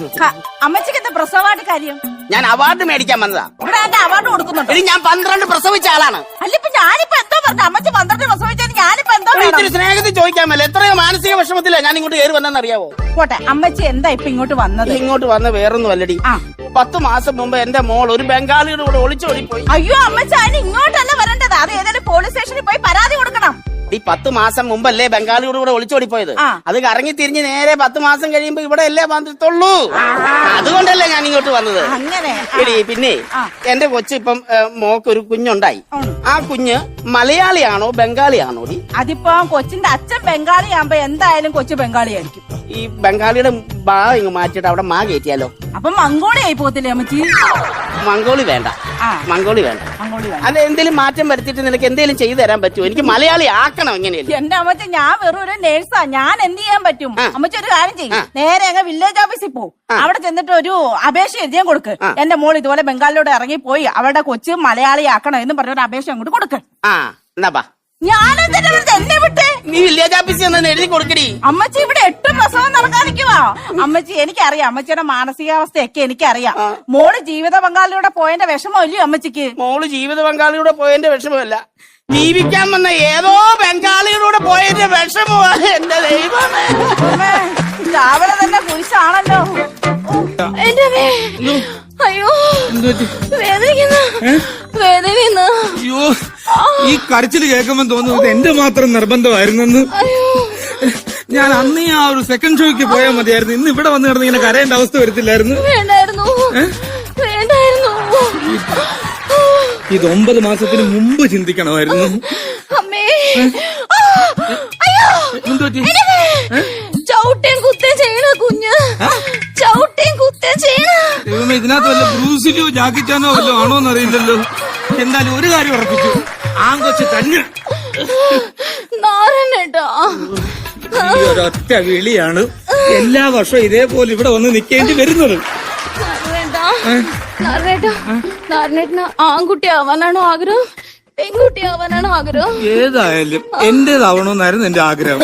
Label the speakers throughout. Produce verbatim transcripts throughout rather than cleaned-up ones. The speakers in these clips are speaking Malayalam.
Speaker 1: ആശുപത്രി.
Speaker 2: അമ്മച്ചിക്ക് എന്താ പ്രസവമായിട്ട് കാര്യം?
Speaker 1: ഞാൻ അവാർഡ് മേടിക്കാൻ വന്നതാ.
Speaker 2: ഇവിടെ എന്റെ അവാർഡ് കൊടുക്കുന്നുണ്ട്.
Speaker 1: ഇനി ഞാൻ പന്ത്രണ്ട് പ്രസവിച്ച ആളാണ്.
Speaker 2: അല്ല ഇപ്പൊ ഞാനിപ്പോ എന്തോ പറഞ്ഞു, അമ്മച്ചി പന്ത്രണ്ട് പ്രസവിച്ചത് ഞാനിപ്പോ എന്തോ
Speaker 1: ഇത്തിരി സ്നേഹത്തിൽ ചോദിക്കാമല്ലോ. എത്രയോ മാനസിക വിഷമത്തില ഞാൻ ഇങ്ങോട്ട് കയറി വന്നെന്ന് അറിയാവോ?
Speaker 2: പോട്ടെ, അമ്മച്ചി എന്താ ഇപ്പൊ ഇങ്ങോട്ട് വന്നത്?
Speaker 1: ഇങ്ങോട്ട് വന്ന വേറൊന്നും അല്ലടി. പത്ത് മാസം മുമ്പ് എന്റെ മോൾ ഒരു ബംഗാളിയുടെ കൂടെ ഒളിച്ചോടിപ്പോയി.
Speaker 2: അയ്യോ അമ്മച്ചി, അതിന് ഇങ്ങോട്ടല്ല വരേണ്ടത്, അത് ഏതായാലും പോലീസ് സ്റ്റേഷനിൽ പോയി പരാതി കൊടുക്കണം.
Speaker 1: ഈ പത്ത് മാസം മുമ്പല്ലേ ബംഗാളിയുടെ കൂടെ ഒളിച്ചോടിപ്പോയത്. അത് കറങ്ങി തിരിഞ്ഞ് നേരെ പത്ത് മാസം കഴിയുമ്പോ ഇവിടെ അല്ലേ വന്നിട്ടുള്ളൂ. അതുകൊണ്ടല്ലേ ഞാൻ ഇങ്ങോട്ട് വന്നത്.
Speaker 2: അങ്ങനെ
Speaker 1: എടി പിന്നെ എന്റെ കൊച്ചു ഇപ്പം മോക്ക് ഒരു കുഞ്ഞുണ്ടായി. ആ കുഞ്ഞ് മലയാളിയാണോ ബംഗാളിയാണോ?
Speaker 2: അതിപ്പോ കൊച്ചിന്റെ അച്ഛൻ ബംഗാളിയാകുമ്പോ എന്തായാലും കൊച്ചു ബംഗാളിയായിരിക്കും.
Speaker 1: ഈ ബംഗാളിയുടെ ബാ ഇങ്ങ് മാറ്റിട്ട് അവിടെ മാ കയറ്റിയാലോ?
Speaker 2: അപ്പൊ മംഗോളി ആയി പോകത്തില്ലേ അമ്മച്ചി?
Speaker 1: മംഗോളി വേണ്ട, മംഗോളി വേണ്ട. അത് എന്തെങ്കിലും മാറ്റം വരുത്തിയിട്ട് നിനക്ക് എന്തെങ്കിലും ചെയ്തു തരാൻ പറ്റുമോ? എനിക്ക് മലയാളി ആക്കണം. എങ്ങനെയല്ലേ
Speaker 2: എന്റെ അമ്മച്ചി, ഞാൻ വെറും ഒരു നേഴ്സാ, ഞാൻ എന്ത് ചെയ്യാൻ പറ്റും? അമ്മച്ചി ഒരു കാര്യം ചെയ്യും, നേരെ അങ്ങ് വില്ലേജ് ഓഫീസിൽ പോകും. അവിടെ ചെന്നിട്ട് ഒരു അപേക്ഷ എഴുതിയാൻ കൊടുക്ക്. എന്റെ മോൾ ഇതുപോലെ ബംഗാളിലോട്ട് ഇറങ്ങി പോയി, അവരുടെ കൊച്ച് മലയാളി ആക്കണം എന്ന് പറഞ്ഞ ഒരു അപേക്ഷ അങ്ങോട്ട് കൊടുക്ക്.
Speaker 1: ആ എന്നാ
Speaker 2: ഞാനെന്തിനാ എന്നെ വിട്ട്?
Speaker 1: നീ വില്ലേജ് ഓഫീസിൽ നിന്ന് എഴുതി കൊടുക്കടി.
Speaker 2: അമ്മച്ചി ഇവിടെ എട്ട് പ്രസവം നടക്കാതിരിക്കുവാ. അമ്മച്ചി എനിക്കറിയാം, അമ്മച്ചിയുടെ മാനസികാവസ്ഥയൊക്കെ എനിക്കറിയാം. മോള് ജീവിത പങ്കാളിയുടെ പോയതിന്റെ വിഷമമല്ലയോ അമ്മച്ചിക്ക്?
Speaker 1: മോള് ജീവിത പങ്കാളിയുടെ പോയതിന്റെ വിഷമമല്ല, ജീവിക്കാൻ വന്ന ഏതോ ബംഗാളിയുടെ പോയതിന്റെ വിഷമമാണ്. എന്റെ ദൈവമേ,
Speaker 2: രാവിലെ തന്നെ കുരിശാണല്ലോ. അയ്യോ വേദനിക്കുന്നു, വേദനിക്കുന്നു.
Speaker 3: അയ്യോ, ഈ കരച്ചില് കേൾക്കുമ്പോ തോന്നുന്നത് എന്റെ മാത്രം നിർബന്ധമായിരുന്നെന്ന്. ഞാൻ അന്ന് ആ ഒരു സെക്കൻഡ് ഷോയ്ക്ക് പോയാൽ മതിയായിരുന്നു. ഇന്ന് ഇവിടെ വന്ന് കിടന്ന് ഇങ്ങനെ കരയേണ്ട അവസ്ഥ വരത്തില്ലായിരുന്നു.
Speaker 2: വേണ്ടായിരുന്നു, വേണ്ടായിരുന്നു.
Speaker 3: ഇത് ഒമ്പത് മാസത്തിന് മുമ്പ് ചിന്തിക്കണമായിരുന്നു.
Speaker 2: അമ്മേ, അയ്യോ ചവിട്ടേം കുത്തേം ചെയ്യണ കുഞ്ഞ്, ചവിട്ടേം കുത്തേം ചെയ്യണ.
Speaker 3: ദൈവമേ, ഇതിനകത്ത് വല്ല ബ്രൂസിലോ ജാക്കിച്ചാനോ വല്ലോ ആണോന്ന് അറിയില്ലല്ലോ. എന്തായാലും ഒരു കാര്യം ഉറപ്പിച്ചു, ആങ്കൊച്ച് തന്നെ.
Speaker 2: നാരനേട്ടാ,
Speaker 3: ഈ ഒരൊറ്റ വിളിയാണ് എല്ലാ വർഷവും ഇതേപോലെ ഇവിടെ വന്ന് നിൽക്കേണ്ടി വരുന്നത്.
Speaker 2: നാരനേട്ടന് ആൺകുട്ടി ആവാനാണോ ആഗ്രഹം, പെൺകുട്ടി ആവാനാണോ ആഗ്രഹം?
Speaker 3: ഏതായാലും എന്റേതാവണമെന്നായിരുന്നു എന്റെ ആഗ്രഹം.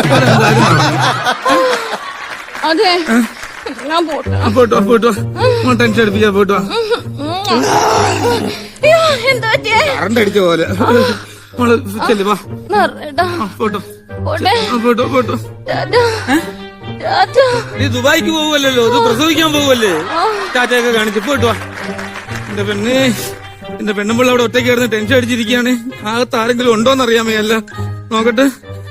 Speaker 2: അതെ, ഞാൻ പോട്ടോ
Speaker 3: പോട്ടോ പോട്ടോ ടെൻഷൻ അടിപ്പിച്ചാ പോട്ടോ. കറണ്ട് അടിച്ച പോലെ മോള് ചെല്ലു വാ. പോട്ടോ പോട്ടോ പോട്ടോ. നീ ദുബായിക്ക് പോവല്ലോ, ഇത് പ്രസവിക്കാൻ പോവല്ലേ? ടാറ്റയൊക്കെ കാണിച്ചു പോയിട്ട് വാ. എന്റെ പെണ്ണ്, എന്റെ പെണ്ണുമ്പോൾ അവിടെ ഒറ്റയ്ക്ക് കിടന്ന് ടെൻഷൻ അടിച്ചിരിക്കുകയാണ്. അകത്ത് ആരെങ്കിലും ഉണ്ടോന്ന് അറിയാമല്ല, നോക്കട്ടെ.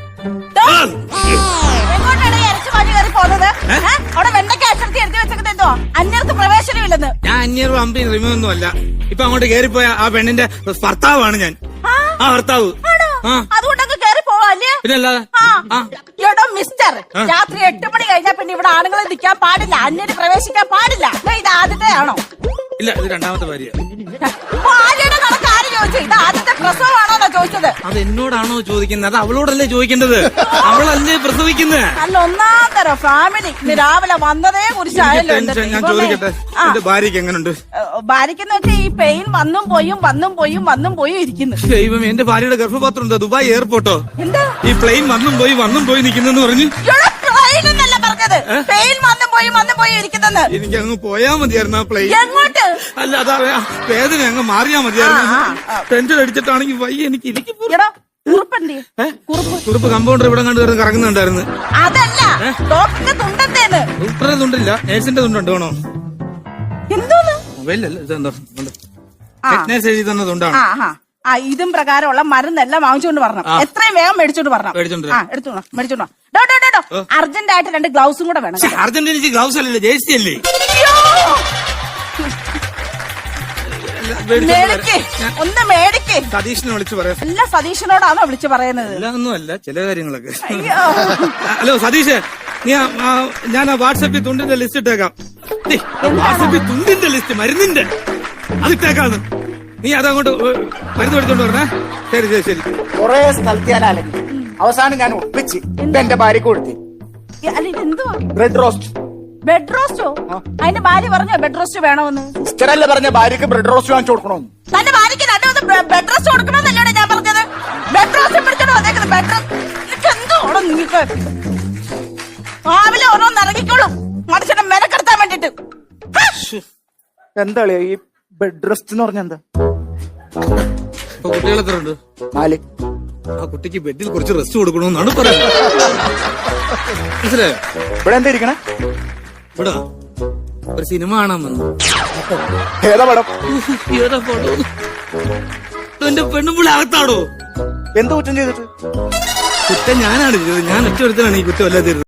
Speaker 2: പ്രവേശനമില്ലെന്ന്
Speaker 3: ഞാൻ അന്യറും അമ്പയും റിമൊന്നും അല്ല. ഇപ്പൊ അങ്ങോട്ട് കേറിപ്പോയ ആ പെണ്ണിന്റെ ഭർത്താവാണ് ഞാൻ. ആ ഭർത്താവ്.
Speaker 2: അതുകൊണ്ടൊക്കെ കയറി പോവാല്ലേ?
Speaker 3: പിന്നല്ലാതെ
Speaker 2: എടോ മിസ്റ്റർ, രാത്രി എട്ട് മണി കഴിഞ്ഞാൽ പിന്നെ ഇവിടെ ആണുങ്ങളെ നിൽക്കാൻ പാടില്ല, അന്യര് പ്രവേശിക്കാൻ പാടില്ല. ഇത് ആദ്യത്തെ ആണോ?
Speaker 3: ഇല്ല, ഇത് രണ്ടാമത്തെ ഭാര്യ.
Speaker 2: ഭാര്യയുടെ കണക്ക് ആര് ചോദിച്ചു? ഇത് ആദ്യത്തെ പ്രസവമാണോന്നാ ചോദിച്ചത്.
Speaker 3: അത് എന്നോടാണോ ചോദിക്കുന്നത്? അത് അവളോടല്ലേ ചോദിക്കേണ്ടത്. അവളല്ലേ പ്രസവിക്കുന്നത്.
Speaker 2: അല്ല, ഒന്നാം തരം ഫാമിലി. ഇന്ന് രാവിലെ വന്നതേ കുറിച്ചായല്ലോ.
Speaker 3: ഞാൻ ചോദിക്കട്ടെ, എന്റെ ഭാര്യക്ക് എങ്ങനെയുണ്ട്?
Speaker 2: ഭാര്യക്കെന്ന് വെച്ചാൽ ഈ പെയിൻ വന്നും പോയും വന്നും പോയും വന്നും പോയും ഇരിക്കുന്നു.
Speaker 3: ദൈവം, എന്റെ ഭാര്യയുടെ ഗർഭപാത്രം എന്താ ദുബായ് എയർപോർട്ടോ?
Speaker 2: എന്താ
Speaker 3: ഈ പ്ലെയിൻ വന്നും പോയി വന്നും പോയി നിൽക്കുന്നെന്ന് പറഞ്ഞു.
Speaker 2: പ്ലെയിനല്ല പറഞ്ഞത്, പെയിൻ വന്നും പോയും വന്നും പോയും ഇരിക്കുന്നെന്ന്.
Speaker 3: എനിക്ക് അങ്ങ് പോയാ മതിയായിരുന്നു ആ പ്ലെയിൻ.
Speaker 2: എങ്ങോട്ട്?
Speaker 3: അല്ല, അതാ വേദന അങ്ങ് മാറിയാ മതിയായിരുന്നു. ടെൻഷൻ അടിച്ചിട്ടാണെങ്കിൽ വയ്യ എനിക്ക്. ഇരിക്കും കുറുപ്പ് കമ്പൗണ്ടർ ഇവിടെ കണ്ട് കിടന്ന് കറങ്ങുന്നുണ്ടായിരുന്നു.
Speaker 2: അതല്ല, ഡോക്ടറിന്റെ തുണ്ടെന്തേന്ന്?
Speaker 3: ഡോക്ടറെ തുണ്ടില്ല, നേഴ്സിന്റെ തുണ്ടുണ്ട്. വേണോ?
Speaker 2: എന്തോന്ന്?
Speaker 3: മൊബൈലല്ല, ഇതെന്തോ നേഴ്സ് എഴുതി തന്നെ തുണ്ടാണ്.
Speaker 2: ആ, ഇതും പ്രകാരമുള്ള മരുന്നെല്ലാം വാങ്ങിച്ചോണ്ട് വരണം. എത്രയും വേഗം മേടിച്ചോണ്ട് വരണം. എടുത്തോണം, മേടിച്ചോണ്ടോ. അർജന്റ് ആയിട്ട് രണ്ട് ഗ്ലൗസും കൂടെ വേണം.
Speaker 3: അർജന്റ് ഗ്ലൗസ് അല്ലല്ലോ, ജേഴ്സി അല്ലേ?
Speaker 2: ഒന്ന് മേടിക്ക്.
Speaker 3: സതീഷിനെ വിളിച്ചു പറയാം.
Speaker 2: എല്ലാ സതീഷിനോടാണോ വിളിച്ചു പറയുന്നത്?
Speaker 3: ഒന്നും അല്ല, ചില കാര്യങ്ങളൊക്കെ. ഹലോ സതീഷ്, നീ ഞാൻ ആ വാട്സാപ്പിൽ തുണ്ടിന്റെ ലിസ്റ്റ് ഇട്ടേക്കാം. വാട്സാപ്പിൽ തുണ്ടിന്റെ ലിസ്റ്റ്, മരുന്നിന്റെ അതിട്ടേക്കാന്ന്. നീ അതങ്ങോട്ട് മരുന്ന് എടുത്തോണ്ട് പറഞ്ഞേ. ശരി ശരി ശരി.
Speaker 1: കൊറേ സ്ഥലത്ത് ഞാൻ അലങ്ങി, അവസാനം ഞാൻ ഒപ്പിച്ച് എന്റെ ഭാര്യക്ക് കൊടുത്തി. Bread roast.
Speaker 2: ബെഡ് റോസ്റ്റോ? അതിന്റെ ഭാര്യ പറഞ്ഞോ ബെഡ് റോസ്റ്റ് വേണമെന്ന്?
Speaker 1: സിസ്റ്ററല്ലേ പറഞ്ഞ ഭാര്യക്ക് ബ്രെഡ് റോസ്റ്റ് വാങ്ങിച്ചു കൊടുക്കണമെന്ന്?
Speaker 2: തന്റെ ഭാര്യക്ക് രണ്ടു ബെഡ് റോസ്റ്റ് കൊടുക്കണമെന്നല്ലേ ഞാൻ പറഞ്ഞത്? ബെഡ് റോസ്റ്റ് പിടിച്ചോണ്ട് വന്നേക്കുന്നത്. ബെഡ് റോസ്റ്റ് എന്തോണം നിങ്ങൾക്ക് രാവിലെ ഓരോന്ന് ഇറങ്ങിക്കോളും മനുഷ്യനെ മെനക്കെടുത്താൻ വേണ്ടിട്ട്.
Speaker 4: എന്താ കളിയാ ഈ ബെഡ് റെസ്റ്റ് എന്ന് പറഞ്ഞ എന്താ?
Speaker 3: ഇപ്പൊ കുട്ടികൾ എത്ര ഉണ്ട്?
Speaker 4: നാല്.
Speaker 3: ആ കുട്ടിക്ക് ബെഡിൽ കുറച്ച് റെസ്റ്റ് കൊടുക്കണമെന്നാണ് പറയുന്നത്. മനസ്സിലായോ?
Speaker 4: ഇവിടെ എന്താ ഇരിക്കണേ?
Speaker 3: ഇവിടെ ഒരു സിനിമ കാണാൻ വന്നു.
Speaker 4: ഏതാ പടം?
Speaker 3: ഏതാ പടം? എന്റെ പെണ്ണുമ്പിള അകത്താടോ.
Speaker 4: എന്ത് കുറ്റം ചെയ്തിട്ട്?
Speaker 3: കുറ്റം ഞാനാണ് ചെയ്തത്. ഞാൻ ഒറ്റ ഒരുത്തനാണ് ഈ കുറ്റം അല്ലാതെ